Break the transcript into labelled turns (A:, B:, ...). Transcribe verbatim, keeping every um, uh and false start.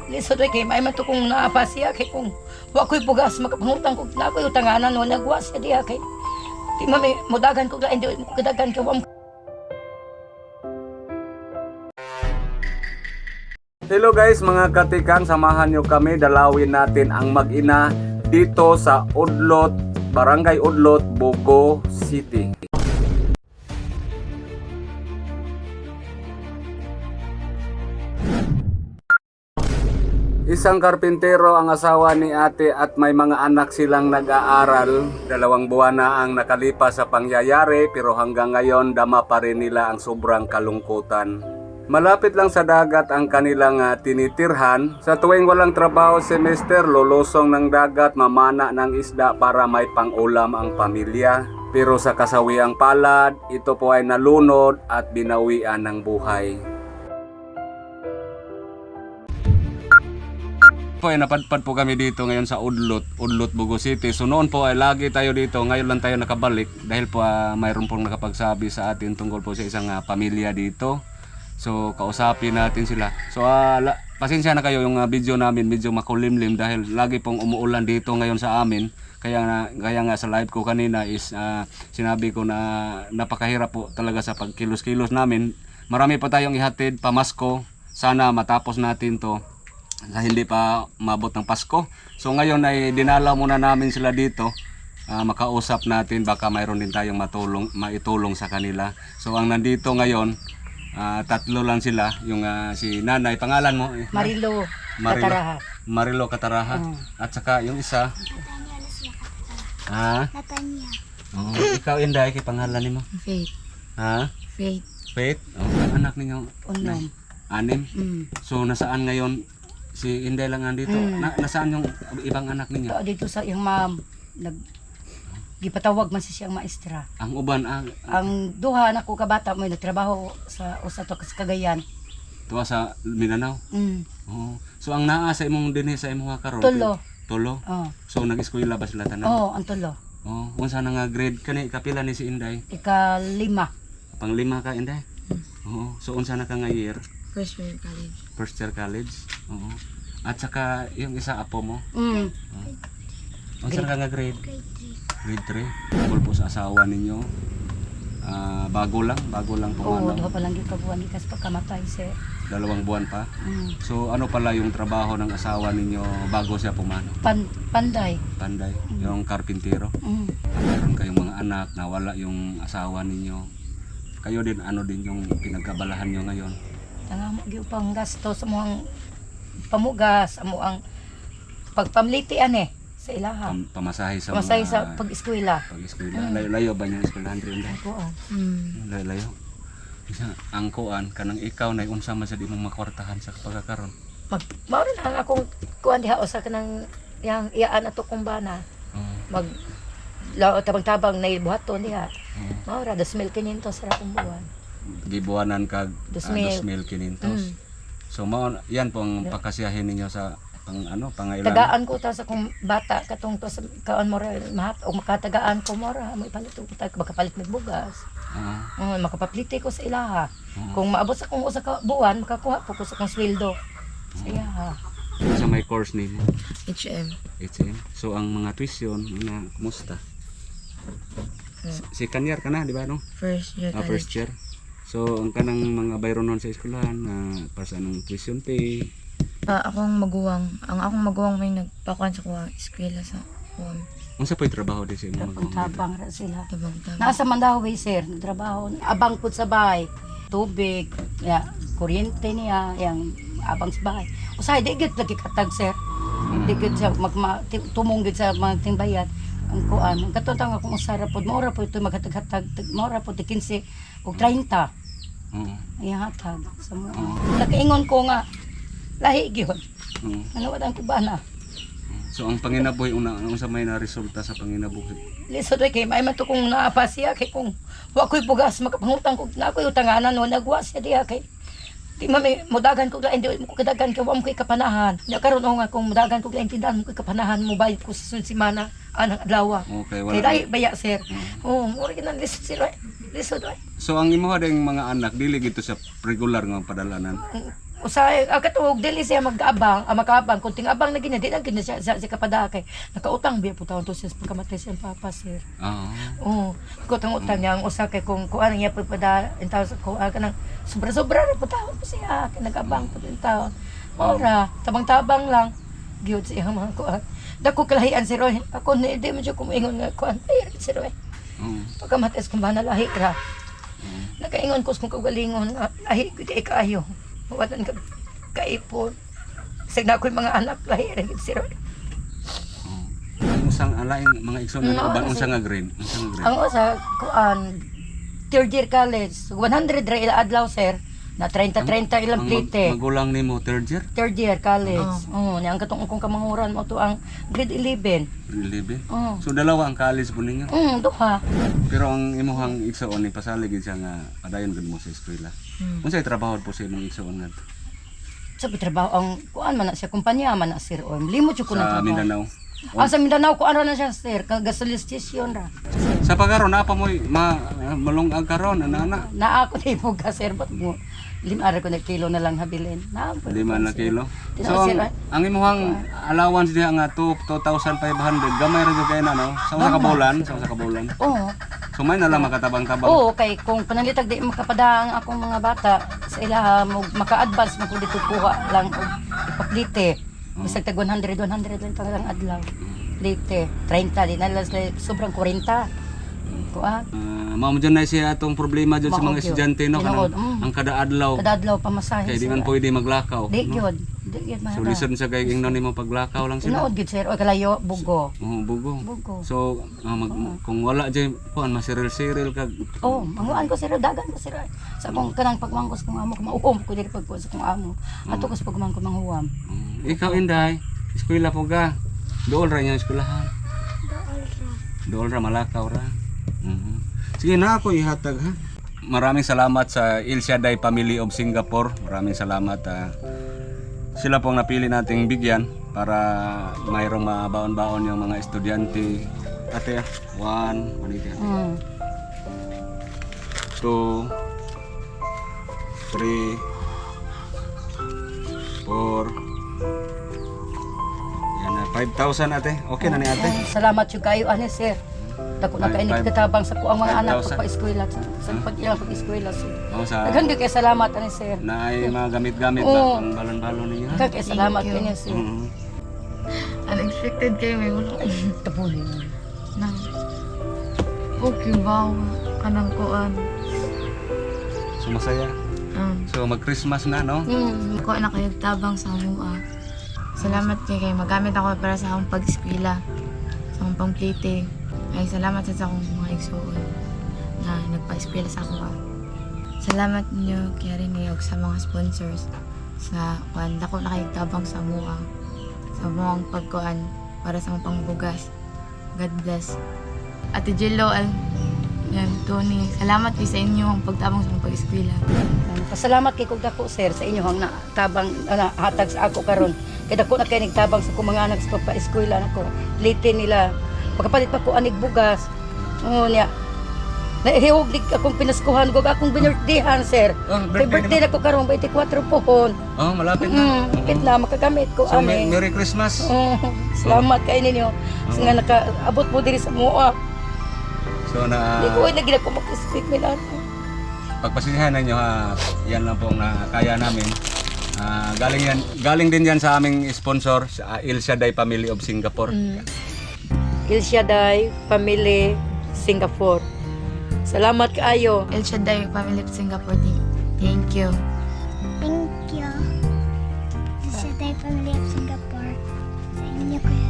A: Lisod ay kay may matukong naapa siya kay kung wa ko'y bugas makapangutang ko na ko'y utanganan no nagwa siya diha kay di mami mudagan ko lain di mo kadagan ka wam.
B: Hello guys mga katikang, samahan nyo kami dalawin natin ang mag-ina dito sa Udlot, Barangay Udlot, Bogo City. Isang karpintero ang asawa ni ate at may mga anak silang nag-aaral. Dalawang buwan na ang nakalipas sa pangyayari pero hanggang ngayon dama pa rin nila ang sobrang kalungkutan. Malapit lang sa dagat ang kanilang uh, tinitirhan. Sa tuwing walang trabaho semester, lulusong ng dagat, mamana ng isda para may pang-ulam ang pamilya. Pero sa kasawiang palad, ito po ay nalunod at binawian ng buhay. Po ay napadpad po kami dito ngayon sa Udlot, Udlot, Bogo City. So noon po ay lagi tayo dito, ngayon lang tayo nakabalik dahil po uh, mayroon pong nakapagsabi sa atin tungkol po sa isang uh, pamilya dito. So kausapin natin sila. So uh, la, pasensya na kayo yung uh, video namin medyo makulimlim dahil lagi pong umuulan dito ngayon sa amin. Kaya nga, kaya nga sa live ko kanina is uh, sinabi ko na napakahirap po talaga sa pagkilos-kilos namin. Marami pa tayong ihatid pamasko. Sana matapos natin to na hindi pa mabot ng Pasko. So ngayon ay dinala muna namin sila dito. Uh, makausap natin baka mayroon din tayong matulong, maitulong sa kanila. So ang nandito ngayon, uh, tatlo lang sila. Yung uh, si nanay, pangalan mo?
A: Marilo,
B: Marilo
A: Kataraha.
B: Marilo Kataraha.
A: Mm.
B: At saka yung isa. Ha?
C: Natanya.
B: Oh, ikaw Inday, kay pangalan mo?
C: Faith.
B: Ha?
C: Faith.
B: Faith? Oh, ang anak ninyo?
A: Unom.
B: Anim?
A: Mm.
B: So nasaan ngayon? Si Inday lang andito.
A: Mm.
B: Na, nasaan yung ibang anak ninyo?
A: Ito dito sa iyang ma'am nag gipatawag man si siyang maestra.
B: Ang uban ang
A: Ang duha na ko kabata mo nagtrabaho sa usa to sa Cagayan.
B: tuwa sa Mindanao.
A: Mm.
B: Oh. So ang naa sa imong dinhi sa imong karon?
A: Tulo.
B: Tulo.
A: Oh.
B: So nag-eskwela ba sila tanan?
A: Oh, ang tulo.
B: Oh, unsa na nga grade kani kapila ni si Inday?
A: Ikalima.
B: Panglima ka Inday? Oo. So unsa na ka nga year?
C: First year college.
B: First year college. Oo. At saka yung isa apo mo.
A: Mm.
B: Oh. Unsa na ka nga grade? Grade three. Tungkol po sa asawa ninyo. Ah, bago lang, bago lang po
A: Oo,
B: ano.
A: duha pa lang yung kabuan gikas pagkamatay sir.
B: Dalawang buwan pa.
A: Mm.
B: So ano pala yung trabaho ng asawa ninyo bago siya pumano?
A: Pan panday.
B: Panday, yung karpintero.
A: Mm.
B: Meron kayong mga anak, nawala yung asawa ninyo. Kayo din, ano din yung pinagkabalahan nyo ngayon?
A: Tanga mo gyud pang gasto sa muang pamugas, amo ang pagpamlitian eh sa ilaha.
B: Pam, pamasahe sa
A: Pamasahe
B: mga
A: sa pag-eskwela.
B: pag-eskwela.
A: Mm.
B: Layo-layo ba yung eskwelahan rin?
A: Ako ah.
C: Hmm.
B: Layo-layo. Isa, ang kuan, kanang ikaw na unsa man sa di mong makwartahan sa pagkakaroon.
A: Mag mao rin ang akong kuan diha usa ka nang yang iyaan ato kong bana.
B: Oh,
A: Mag lao tabang-tabang na buhaton diha.
B: oh.
A: Mao ra dos mil quinientos ra akong buwan.
B: Gibuanan kag
A: Dos
B: ah,
A: mil.
B: dos mil quinientos.
A: Mm.
B: So mao yan po ang pakasiyahin ninyo sa pang ano pangailan.
A: Tagaan ko ta sa kong bata katong to sa kaon mo ra mahat o makatagaan ko mo ra mo ipalit ko ta makapalit mig bugas.
B: Oo.
A: Mm, makapaplite ko sa ilaha.
B: Oo.
A: Kung maabot sa kong usa ka buwan makakuha po ko sa kong sweldo. Sa ilaha.
B: Sa may course nimo.
C: H M.
B: H M. So ang mga tuition na kumusta? Si Kanyar ka na, di ba no?
C: First year
B: Ah,
C: college.
B: first year. So ang kanang mga bayron nun sa eskwelahan na para sa anong tuition pay.
C: Ah, akong maguwang. Ang akong maguwang may nagpakuan sa kuha eskwela sa kuwan.
B: Unsa pay trabaho di sa imong mga
A: Tabang ra sila.
C: Tabang-tabang.
A: Nasa Mandaue way sir, trabaho. Abang pud sa bahay, tubig, ya, kuryente niya, yang abang sa bahay. Usay di gid lagi katag sir. Di gid sa magma ti- tumong gid sa mga timbayad. Ang kuan, ang katutang akong usara pod, mora pod ito maghatag-hatag, mora pod kinse og treinta.
B: Oo.
A: Iya hatag sa mo. Nakaingon ko nga lahi gyud.
B: Oo.
A: Ano wad ang kubana?
B: So ang panginabuhi una unsa may na resulta sa panginabuhi?
A: Lisod ay kay may matukong naapa siya kay kung wa ko'y bugas makapangutang ko na ko'y utanganan no nagwa siya diha kay di mami mudagan ko lain di mo ko kadagan kay wa mo ko'y kapanahan. Nya karon o nga kung mudagan ko lain tindahan mo ko'y kapanahan mo bayad ko sa sunod semana anang adlaw.
B: Okay,
A: Kay
B: wala.
A: dai baya sir. Oh, mo rin nang lisod sila. Lisod ay.
B: So ang imo ding mga anak dili gito sa regular nga padalanan.
A: Usay agatuog dili siya mag-abang, ah, mag-abang kunting abang na gina di na gina siya sa si kapadakay. Nakautang biya po taon to siya pagkamatay siya papa sir.
B: Oo.
A: Oo, kutang utang niya ang usa kay kung kuan niya pagpada in taon sa kuan kanang sobra-sobra ra po taon po siya kay nag-abang po in taon. Ora, tabang-tabang lang gyud siya mga kuan. Dako kalahian si Roy. Ako ni di man siya kumingon nga kuan. Ay si Roy.
B: Oo.
A: Pagkamatay sa kumbana lahi ra. Nakaingon ko kung kagalingon nga lahi ko di kaayo. Watan ka kaipon. Sig na ako'y mga anak lahi ra gid si Roy.
B: Ang usang alaing mga igsoon
A: No,
B: na ubang
A: kasi-
B: unsa nga grade? Unsa nga grade?
A: Ang usa kuan third year college, one hundred ra ila adlaw sir. Na thirty thirty ilang
B: Ang mag-
A: plite.
B: magulang nimo third year?
A: Third year college. Oo, ni ang katong kong kamanguran mo to ang grade eleven.
B: Grade eleven?
A: Oo.
B: So dalawa ang college po ninyo.
A: Mm, duha.
B: Pero ang imuhang igsoon ni pasalig gid siya nga padayon gud mo sa eskwela.
C: Hmm.
B: Unsay trabaho po sa imong igsoon nga
A: Sa trabaho ang kuan man na siya kumpanya man na sir. O limot jud ko
B: sa
A: na trabaho.
B: Mindanao?
A: Ah, sa Mindanao ko ano na siya sir, kag gasoline station ra.
B: Sa pagkaron na pa mo ma malungag karon ana ana.
A: Na ako ni mo sir bat mo. Lima ra ko na kilo na lang habilin. Na ako.
B: Lima na kilo.
A: Tinaw,
B: So
A: sir,
B: ang, ang imuhang allowance diha nga two thousand five hundred gamay ra gyud kay na no. Sa usa ka bulan, sa usa ka bulan.
A: Oo.
B: So may na lang makatabang-tabang.
A: Oo, kay kung panalitag di makapadang akong mga bata sa ilaha mo maka-advance mo dito kuha lang og ipaplite. Bisag tag one hundred one hundred lang talagang adlaw. Plite thirty di na lang sila sobrang forty. Kuha.
B: Uh, mao mo dyan na siya atong problema dyan sa
A: Mao
B: mga
A: gyud.
B: estudyante no
A: Tinuod,
B: kanang
A: mm.
B: ang kada adlaw
A: Kada adlaw pamasahe.
B: kay di
A: sir.
B: man pwede maglakaw.
A: Di
B: no?
A: gyud. Di gyud
B: So
A: mahal.
B: listen sa kay ingnon nimo paglakaw lang sila.
A: Tinuod gyud sir o kalayo bugo.
B: Oo, bugo.
A: Bugo.
B: So ah, mag, kung wala dyan kuan masiril-siril kag
A: Oh, manguan ko sir, dagan ko sir. Sa kung kanang pagmangkos kong amo, kumauom ko diri pagkuan sa kong amo. Ato ko sa pagmangkos manghuwam.
B: Mm, ikaw Inday, eskwela po ka. Dool ra niya eskwelahan. Dool ra malakaw ra. Mhm. Sige na ako ihatag ha. Maraming salamat sa Il Shaddai Family of Singapore. Maraming salamat. ah. sila po ang napili nating bigyan para mayroong mabaon-baon yung mga estudyante. Ate, one, maniti ate.
A: Mm.
B: Two, three, four, yan na, five thousand ate. Okay na ni ate?
A: Ay, salamat yung kayo ani sir. Dako na
B: Five-
A: kayo
B: five-
A: nagkatabang sa kuang mga
B: five
A: anak ko
B: thousand.
A: pa eskwela sa, sa pag ilang pag eskwela sir.
B: O sa
A: Daghang kay salamat ani sir.
B: na ay mga gamit-gamit ba
A: Oo.
B: pang balon-balon ninyo? ha?
A: Daghang kay salamat
C: Thank you.
A: kanya sir.
B: Mhm.
C: Unexpected kayo may wala.
A: Tabuli.
C: Na. Okay, wow. Kanang kuan.
B: So masaya.
C: Um,
B: So mag-Christmas na no?
A: Mm.
C: Ako na kayo tabang sa mua. Salamat kay kay magamit ako para sa akong pag-eskwela. Sa akong pang-plating. Ay salamat sa akong mga igsoon na nagpa-eskwela sa ako. ah. Salamat niyo kay rin og sa mga sponsors sa kuan dako na kayo tabang sa mua. Sa mga pagkuan para sa akong pangbugas. God bless. Ate Jello, al yan, Tony. Salamat kayo sa inyo ang pagtabang sa akong pag-eskwela.
A: Pasalamat kay kog dako sir sa inyo ang natabang ana hatag sa ako karon. Kay dako na kay nagtabang sa kong mga anak sa pagpa-eskwela nako. Late nila. Pagkapalit pa ko anig bugas. Oo niya. Nahihiwag di akong pinaskuhan ko akong binirthdayan sir.
B: Oh,
A: Kay birthday na ko karon twenty-four pohon.
B: Oh, malapit na.
A: Mm, kapit na makagamit ko
B: So, me-
A: ani.
B: Merry Christmas.
A: Oh, salamat kay ninyo. Sa nga nakaabot mo diri sa mua.
B: So na
A: Di ko na gina ko mag-speak nila.
B: pagpasisihan ninyo ha, yan lang pong nakaya namin. Ah, galing yan, galing din yan sa aming sponsor, sa Il Shaddai Family of Singapore.
A: Mm. Il Shaddai Family Singapore. Salamat kaayo.
C: El Shaddai Family of Singapore. Thank you.
D: Thank you. Sa Shaddai Family of Singapore. Sa inyo, Kuya